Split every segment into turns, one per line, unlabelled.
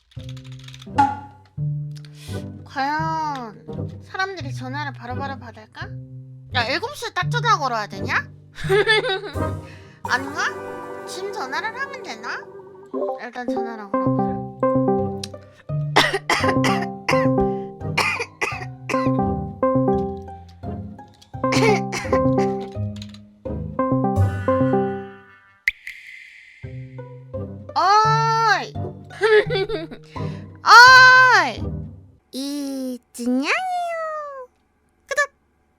과연 사람들이 전화를 바로바로 받을까? 야 7시에 딱 전화 걸어야 되냐? 아닌가? 지금 전화를 하면 되나? 일단 전화를 걸어보자. 어이! 어이! 이진양이요. 끄덕.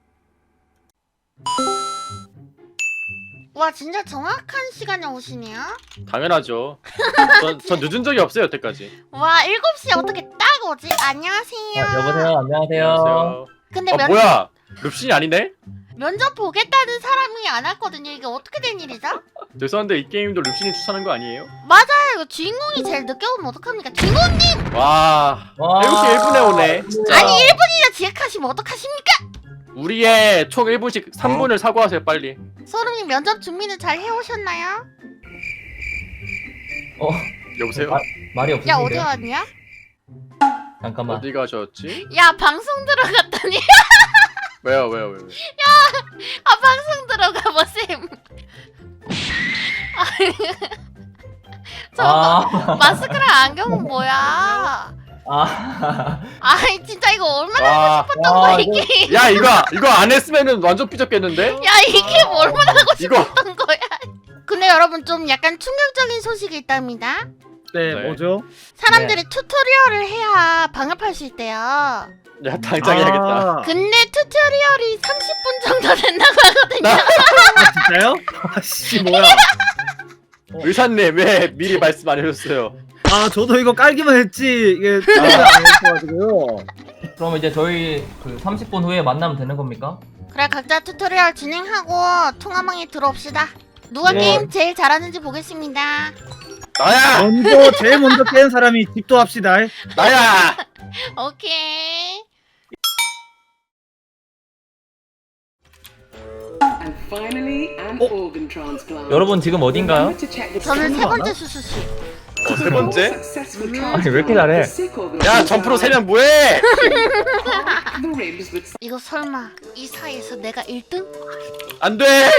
와 진짜 정확한 시간에 오시네요.
당연하죠. 전 늦은 적이 없어요 여태까지.
와 7시에 어떻게 딱 오지? 안녕하세요.
여보세요. 안녕하세요.
근데
뭐야? 룹신이 아니네?
면접 보겠다는 사람이 안 왔거든요. 이게 어떻게 된 일이죠?
죄송한데 이 게임도 룹신이 추천한 거 아니에요?
맞아요. 이거 주인공이 제일 늦게 오면 어떡합니까? 주인공님!
와 7시 1분에 오네 진짜.
아니 1분이나 지각하시면 어떡하십니까?
우리의 총 1분씩 3분을 사고하세요 빨리.
소름님 면접 준비는 잘 해오셨나요?
여보세요?
말이
야 어디
없으신데요?
왔냐?
잠깐만.
어디 가셨지?
야 방송 들어갔더니
왜요?
아 방송 들어가 보셈. 저 마스크랑 안경은 뭐야? 아이 진짜 이거 얼마나 하고 싶었던 거야 이게.
야 이거 안 했으면은 완전 삐졌겠는데?
야 이게 뭐 얼마나 하고
이거
싶었던 거야. 근데 여러분 좀 약간 충격적인 소식이 있답니다.
네,
네.
뭐죠?
사람들이 튜토리얼을 해야 방업할 수 있대요.
야 당장 해야겠다.
근데 튜토리얼이 30분 정도 된다고 하거든요.
진짜요? 아씨 뭐야?
의사님 왜 미리 말씀 안 해줬어요?
아 저도 이거 깔기만 했지 이게 생각을 안 했어가지고요.
그럼 이제 저희 그 30분 후에 만나면 되는 겁니까?
그래 각자 튜토리얼 진행하고 통화방에 들어옵시다. 누가
네.
게임 제일 잘하는지 보겠습니다.
나야!
제일 먼저 깬 사람이 집도합시다.
나야!
오케이.
And finally, an organ transplant.
여러분 지금 어딘가요?
Remember to check the
저는 세
맞나?
번째 수수씨.
세 번째?
successful
아니, 왜 이렇게 잘해?
transplant of sick organ
야 점프로 3명 뭐해!
the ribs with
이거 설마 이 사이에서 내가 1등?
안돼!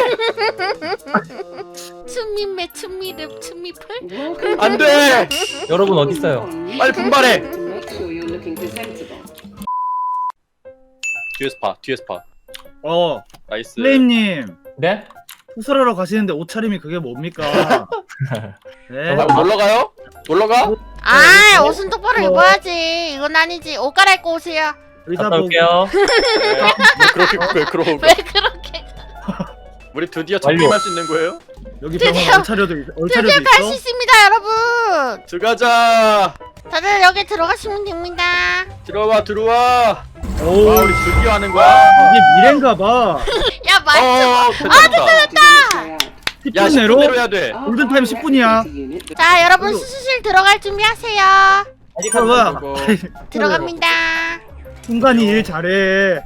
춤미매 춤미름 춤미풀?
welcome
안돼!
여러분 어디 있어요?
빨리 분발해!
to make sure you're looking presentable.
뒤에서 파 나이스.
플레임님
네?
수술하러 가시는데 옷차림이 그게 뭡니까? 네.
아, 놀러가요? 놀러가?
아 옷은 똑바로 입어야지. 이건 아니지. 옷 갈아입고 오세요.
의사
갔다
보고
올게요.
네. 뭐 그렇게
왜 그렇게
우리 드디어
완료.
접근할 수 있는 거예요?
여기
드디어-
병원 얼차려도
드디어 갈 수
있어?
있습니다 여러분.
들어가자!
다들 여기 들어가시면 됩니다.
들어와!
오
와 우리 드디어 하는 거야?
이게 미래인가봐.
야 말투.
됐다! 야
10분 내로
10분 내로 해야 돼.
골든타임 10분이야.
자 여러분 수술실 들어갈 준비하세요.
아직
어, 뭐야?
그거.
들어갑니다.
순간이 일 잘해.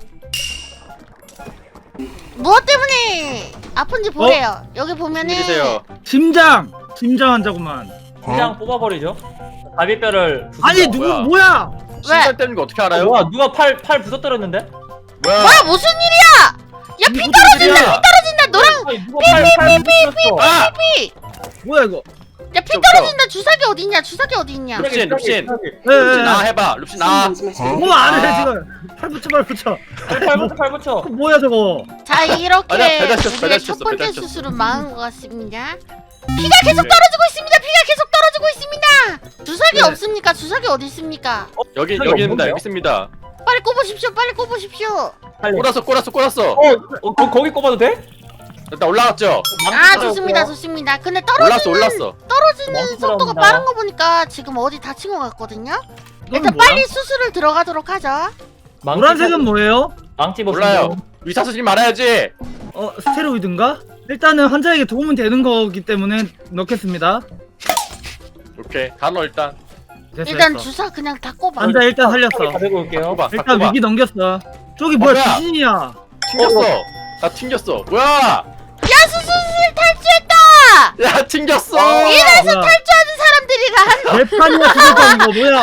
무엇 때문에 아픈지 보래요. 여기 보면은
일이세요.
심장 환자구만.
그냥 뽑아버리죠. 갈비뼈를
아니
부순다.
누구
뭐야?
뭐야?
신발 때는 거 어떻게 알아요?
뭐야 누가 팔 부서뜨렸는데?
뭐야?
뭐야 무슨 일이야? 야 피 떨어진다. 너랑
아니 누가 팔 부서뜨렸어?
아!
피.
뭐야 이거?
야 피
저,
떨어진다. 주사기 어디 있냐? 주사기 어디 있냐?
룹신.
네,
룹신 나 해봐. 룹신 나.
뭐 안해 지금? 팔 붙여.
팔 붙여.
뭐야 저거?
자 이렇게
아니야, 배달 시켰어,
우리의
배달
첫
시켰어,
번째
배달 시켰어.
수술은 망한 것 같습니다. 피가 계속 떨어지고 있습니다. 피가 계속 떨어지고 있습니다. 주사기
네.
없습니까? 주사기 어디 있습니까?
여기
저기
여기입니다.
없는데요?
여기 있습니다.
빨리 꼽으십시오. 빨리 꼽으십시오.
빨리.
꼬랐어.
거기 꼽아도 돼?
일단 올라갔죠?
아 좋습니다. 좋습니다. 근데
올랐어.
떨어지는
망치
속도가
들어갑니다.
빠른 거 보니까 지금 어디 다친 것 같거든요.
이건
일단
뭐야?
빨리 수술을 들어가도록 하죠.
노란색은 뭐예요?
망치
몰라요. 의사 선생님 말아야지.
스테로이드인가? 일단은 환자에게 도움은 되는 거기 때문에 넣겠습니다.
오케이. 다 넣어 일단.
됐어,
일단
됐어.
주사 그냥 다 꼽아.
환자 일단 살렸어.
가지고 올게요.
꼽아.
일단 위기 넘겼어. 저기 뭐야
뭐야?
귀신이야.
튕겼어. 나 튕겼어. 뭐야?
야 수술실 탈주했다.
야 튕겼어.
이래서
뭐야?
탈주하는 사람들 애들이랑 한
개판이야 죽었다는 거 뭐야?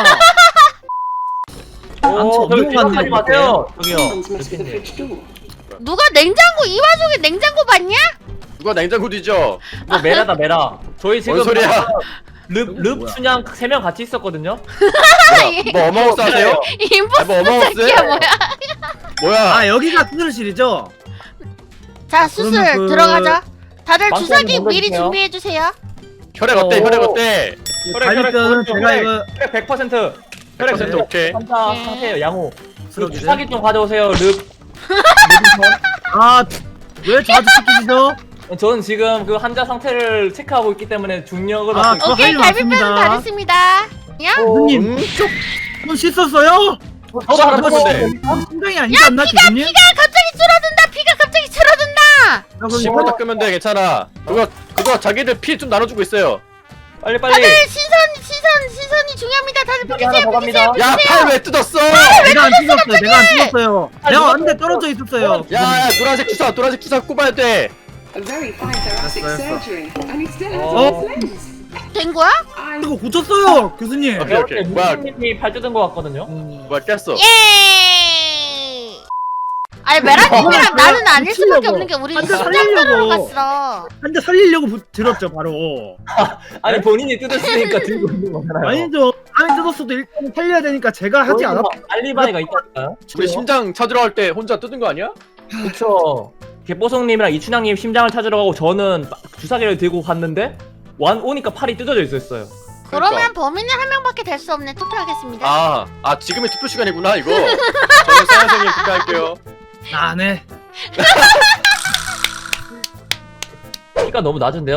오, 저기
넘어갔네,
뒤로 가지 마세요. 저기요.
Someone's messed with the
루피님.
fridge door.
누가 냉장고 이 와중에 냉장고 봤냐?
누가 냉장고 뒤져?
이거 메라다 메라. 저희 지금
뭔 소리야?
릅 춘향 3명 같이 있었거든요.
뭐 어마우스 하세요?
임포스터
뭐 어마우스
새끼야 뭐야?
뭐야?
아 여기가 수술실이죠?
자 수술
그러면 그-
들어가자. 다들
망치
주사기
한번
미리
던져주세요.
준비해 주세요.
혈액 어때? 혈액 어때?
갈비뼈는 제가 이거
100%
100% 오케이.
환자
네.
상태예요. 양호. 그
쓰러지네.
주사기 좀 가져오세요. 릅.
아왜 저한테 시키시죠?
저는 지금 그 환자 상태를 체크하고 있기 때문에 중력을
아,
맡고 있고.
오케이
할 일
갈비뼈는
맞습니다.
다 됐습니다. 야?
교수님 손 씻었어요?
저도 하나
이거
줬는데.
심장이 아니지 않나 교수님?
피가 갑자기 줄어든다. 피가 갑자기 줄어든다.
아, 그럼
심으로
이거
닦으면 돼 괜찮아. 그거 자기들 피 좀 나눠주고 있어요.
빨리
다들
빨리.
시선이 중요합니다. 다들
여기 하나 더 갑니다.
야 팔 왜 뜯었어?
내가 안 씻었어요. 내가 안 씻었어요. 내가 왔는데 떨어져 있었어요.
야 노란색 주사 꼽아야 돼.
A very fine thoracic
Yes.
surgery, and he still has
Oh.
all his limbs.
된 거야?
I
이거 고쳤어요, 교수님.
오케이, 오케이. 뭐야?
무슨님이 팔 뜯은 것 같거든요.
뭐야 깼어?
예. 아니 메라님이랑 나는 아닐 수밖에
미치려고.
없는 게 우리
완전
심장 들으러
살리려고.
갔어.
한대 살리려고 들었죠, 바로.
아니 본인이 뜯었으니까 들고 있는 거잖아요.
아니죠. 안에 뜯었어도 일단 살려야 되니까 제가 하지 않았.
알리바이가 있다니까요.
우리 심장 찾으러 갈 때 혼자 뜯은 거 아니야?
그쵸. 개뽀송님이랑 이춘향님 심장을 찾으러 가고 저는 주사기를 들고 갔는데 오니까 팔이 뜯어져 있었어요.
그러면 범인은 한 명밖에 될 수 없네. 투표하겠습니다.
아 지금이 투표 시간이구나 이거. 저는 사연생님 투표할게요.
안 해.
키가 너무 낮은데요.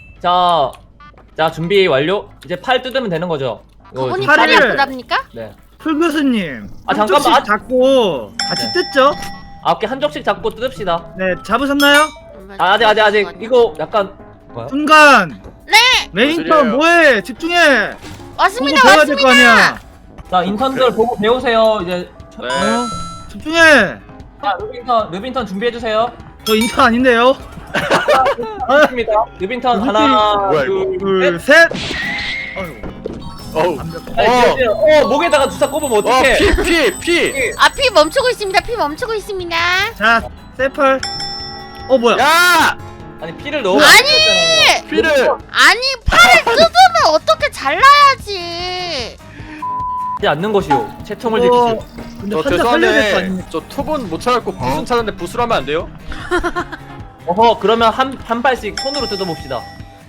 자 준비 완료. 이제 팔 뜯으면 되는 거죠. 이거
그분이
지금
팔이
팔을-
아프답니까?
네.
풀 교수님.
아,
한쪽씩
잠깐만.
잡고 같이
네.
뜯죠?
9개 한 쪽씩 잡고 뜯읍시다.
네, 잡으셨나요?
아직 이거 약간 뭐야?
순간.
네.
레인턴 뭐해? 집중해.
왔습니다.
보고 배워야 될 거
왔습니다.
아니야.
자 인턴들 보고 배우세요. 이제
네.
집중해.
자 르빈턴 준비해 주세요.
저 인턴 아닌데요.
좋습니다. 르빈턴 하나
뭐야, 이거?
둘, 셋. 어휴.
어우.
목에다가 주사 꼽으면 어떡해?
피.
아 피 멈추고 있습니다. 피 멈추고 있습니다.
자, 세팔. 뭐야?
야
아니 피를 너무
아니!
피를.
아니 팔을 뜯으면 어떻게 잘라야지.
하지 않는 것이요. 채통을
어,
지키시오.
근데
저
환자 살려야 될 거
죄송한데
아닙니까?
저 투분 못 찾았고 부순 찾았는데 부수로 하면 안 돼요?
그러면 한 발씩 손으로 뜯어봅시다.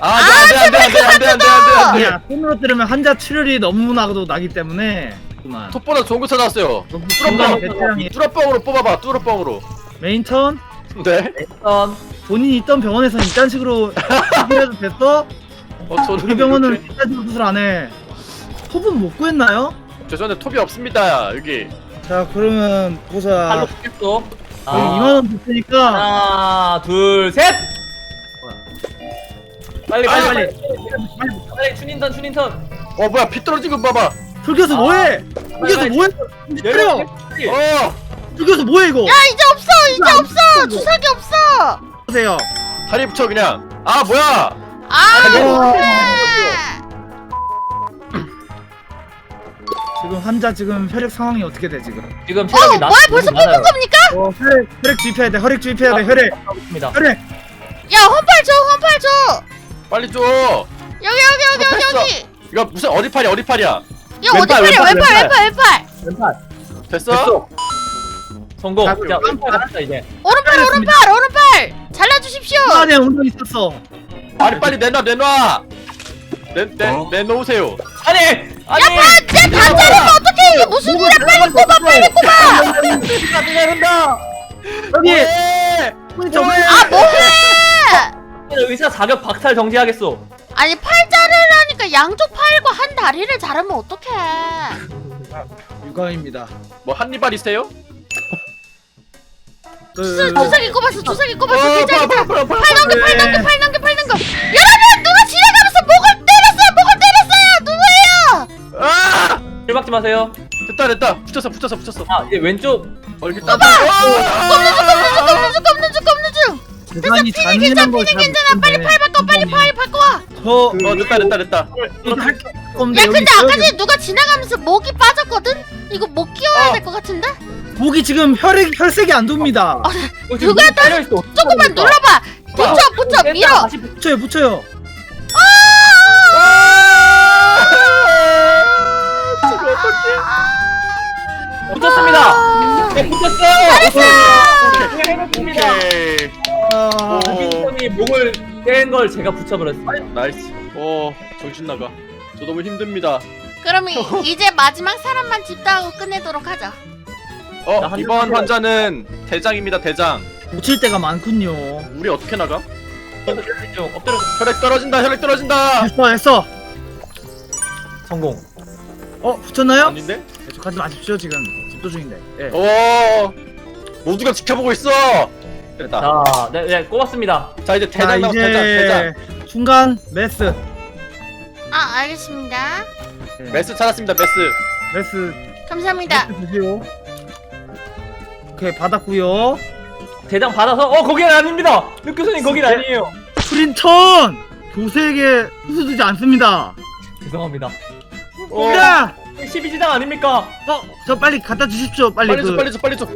안돼.
야, 손으로 때리면 환자 출혈이 너무나도 나기 때문에. 그만.
톱보다 좋은 거 찾았어요.
중간 베테랑이
뚜러뻥으로 뽑아봐. 뚜러뻥으로.
메인 턴.
네.
일단
본인이 있던 병원에서 이딴 식으로 해도 됐어?
저는
우리 병원은
이렇게-
이딴 식으로 수술 안 해. 톱은 못 구했나요?
죄송한데 톱이 없습니다 여기.
자, 그러면 보자.
팔로 뜯겠어.
여기 2만 원 줬으니까
하나, 둘, 셋. 빨리. 춘인턴.
뭐야 피 떨어진 거 봐봐.
풀교수 뭐해? 풀교수
빨리.
뭐해? 때려! 풀교수 뭐해 이거?
야 이제 없어. 주사기 없어.
보세요.
다리 붙여 그냥. 뭐야?
아
어.
그래.
지금 환자 지금 혈액 상황이 어떻게 돼 지금?
지금 체력이
뭐야 벌써 뽑은 겁니까?
혈액 주입해야 돼. 혈액 주입해야 돼. 혈액.
있습니다.
혈액.
야 헌팔 줘.
빨리 줘.
여기.
이거 무슨 어디 팔이야?
야
왼팔,
어디 팔이야? 왼팔.
왼팔.
됐어?
성공.
자,
자, 왼팔 갑시다 이제.
오른팔. 잘라주십시오.
안에 운동 있었어.
아니 빨리 내놔. 내놓으세요.
아니.
쟤다 자르면 어떡해? 이게 무슨 일이야? 빨리 꼽아.
여기.
왜?
손이 좀.
뭐해?
의사 자격 박탈 정지하겠어.
아니 팔 자르려니까 양쪽 팔과 한 다리를 자르면 어떡해?
유감입니다.
뭐 한니발이세요?
주사기 꼽았어. 괜찮아. 팔 넘겨.
네.
여러분 누가 지나가면서 목을 때렸어요. 누구예요?
아!
일 박지 마세요.
됐다. 붙였어.
이제 왼쪽.
이렇게
꼽는 중.
대단히 잔인한 걸
괜찮아. 빨리 팔 바꿔 와.
저
됐다.
이거 할 건데
야
여기
근데
있어요,
아까 전에 누가 지나가면서 목이 빠졌거든? 이거 목 끼워야 될 것 같은데?
목이 지금 혈색이 안 돕니다.
누가
딸려 있어.
조금만 눌러봐. 붙여 밀어.
붙여요.
붙였습니다. 네, 붙였어요. 해냈습니다.
오케이.
빈손이 목을 뗀 걸 제가 붙여버렸습니다.
나이스. 정신 나가. 저 너무 힘듭니다.
그럼 이제 마지막 사람만 집다하고 끝내도록 하죠.
이번 환자는 대장입니다. 대장.
붙일 때가 많군요.
우리 어떻게 나가?
좀 엎드려.
혈액 떨어진다.
했어.
성공.
붙였나요?
아닌데?
계속하지 마십시오 지금 집도 중인데. 예.
모두가 지켜보고 있어. 됐다.
자, 네, 꼽았습니다.
자 이제
자
대장 나와. 대장.
중간 메스.
아 알겠습니다.
메스 찾았습니다.
메스
감사합니다.
주세요. 오케이 받았고요.
대장 받아서 거기는 아닙니다. 느 교수님 거긴 아니에요.
프린턴 교세에게 후수두지 않습니다.
죄송합니다.
자,
12지당 아닙니까?
저 빨리 갖다 주십시오. 빨리
빨리 줘.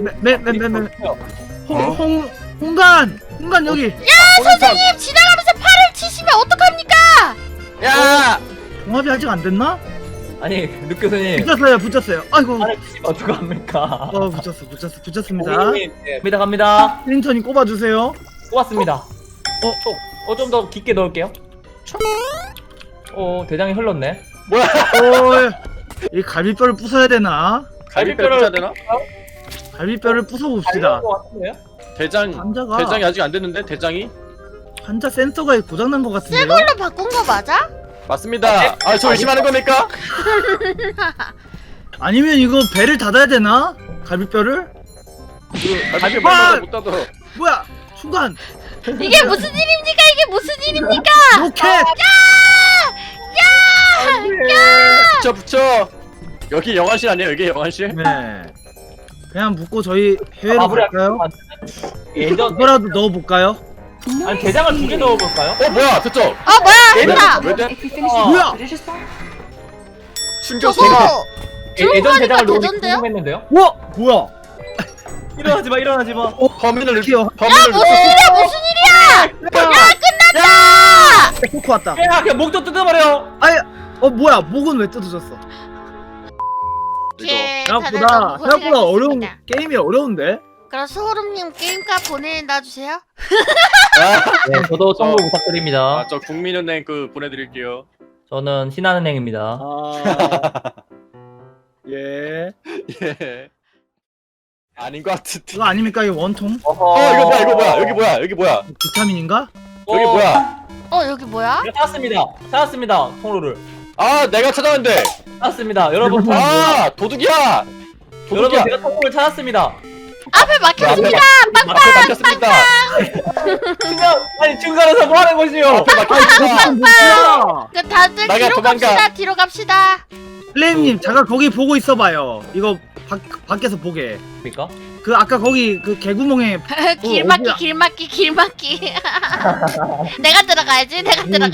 홍간 여기.
선생님 지나가면서 팔을 치시면 어떡합니까?
야!
종합이 아직 안 됐나?
아니, 느 교수님.
붙였어요. 아이고.
팔을 치시면 어떡합니까?
붙였습니다.
네, 갑니다.
프린턴이 꼽아주세요.
꼽았습니다. 좀 더 깊게 넣을게요. 대장이 흘렀네.
뭐야?
이 갈비뼈를 부숴야 되나?
갈비뼈 붙여야 되나?
갈비뼈를 부숴봅시다.
대장이 아직 안 됐는데 대장이?
환자 센서가 고장난 것 같은데요?
이걸로 바꾼 거 맞아?
맞습니다. 저 의심하는 겁니까?
아니면 이거 배를 닫아야 되나? 갈비뼈를?
갈비뼈 못 닫아.
뭐야? 순간
이게 무슨 일입니까? 이게 무슨 일입니까?
로켓!
붙여. 여기 영화실 아니에요? 여기 영화실?
네. 그냥 묶고 저희 해외로 갈까요?
예전
이거라도 넣어볼까요?
아니 대장을 2개 넣어볼까요?
뭐야? 됐죠?
뭐야 했다.
왜 돼?
If you finish
Oh.
the
뭐야?
prodigious bar,
충격.
저거
예전 대장을 넣기
되던데요?
궁금했는데요?
뭐야?
일어나지 마.
범인을
이렇게요.
무슨 일이야 무슨 일이야?
코코 왔다.
그냥 목도 뜯어버려.
뭐야? 목은 왜 뜯어졌어?
오케이,
생각보다 어려운 게임이 어려운데?
그럼 소름님 게임값 보내다 주세요.
네, 저도 청구 부탁드립니다.
저 국민은행 보내드릴게요.
저는 신한은행입니다.
예.
예. 아닌 것 같은데.
이거 아닙니까? 이거 원통?
이거 뭐야? 여기 뭐야?
비타민인가?
여기 뭐야?
여기 뭐야?
제가 찾았습니다. 통로를
내가 찾았는데.
찾았습니다. 여러분,
도둑이야.
여러분 제가 통로를 찾았습니다.
앞에 막혔습니다.
앞에 막혔습니다.
중간에서 뭐 하는 것이요?
앞에 막혔습니다.
뭐야?
다들
나가,
뒤로
도망가.
갑시다. 뒤로 갑시다.
플레임님 잠깐 거기 보고 있어봐요. 이거 밖에서 보게.
뭡니까?
아까 거기 개구멍에
길막기. 내가 들어가야지.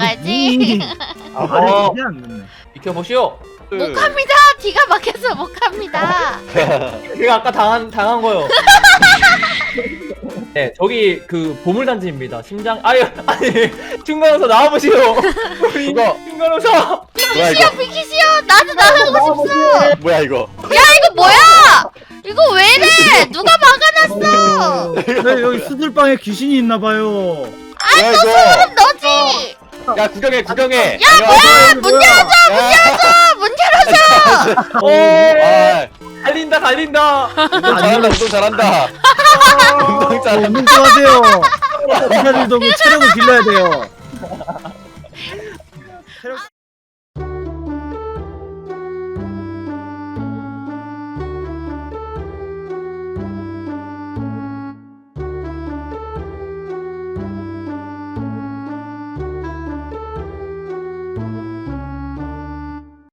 어.
이게 안 됐네.
비켜보시오.
못 갑니다. 뒤가 막혀서 못 갑니다.
제가 아까 당한 거요. 네, 저기 보물단지입니다. 심장 아니 중간에서 나와보시오.
이거
중간에서
뭐야 이거?
비키시오. 나도 나가고 싶어.
뭐야 이거?
이거 뭐야? 이거 왜 이래? 누가 막아놨어?
네, 여기 수들방에 귀신이 있나봐요.
뭐야 이거?
너지?
야 구경해.
문 열어줘.
달린다.
운동 잘한다. 운동 잘한다.
운동 좋아하세요. 기사들도 체력을 길러야 돼요.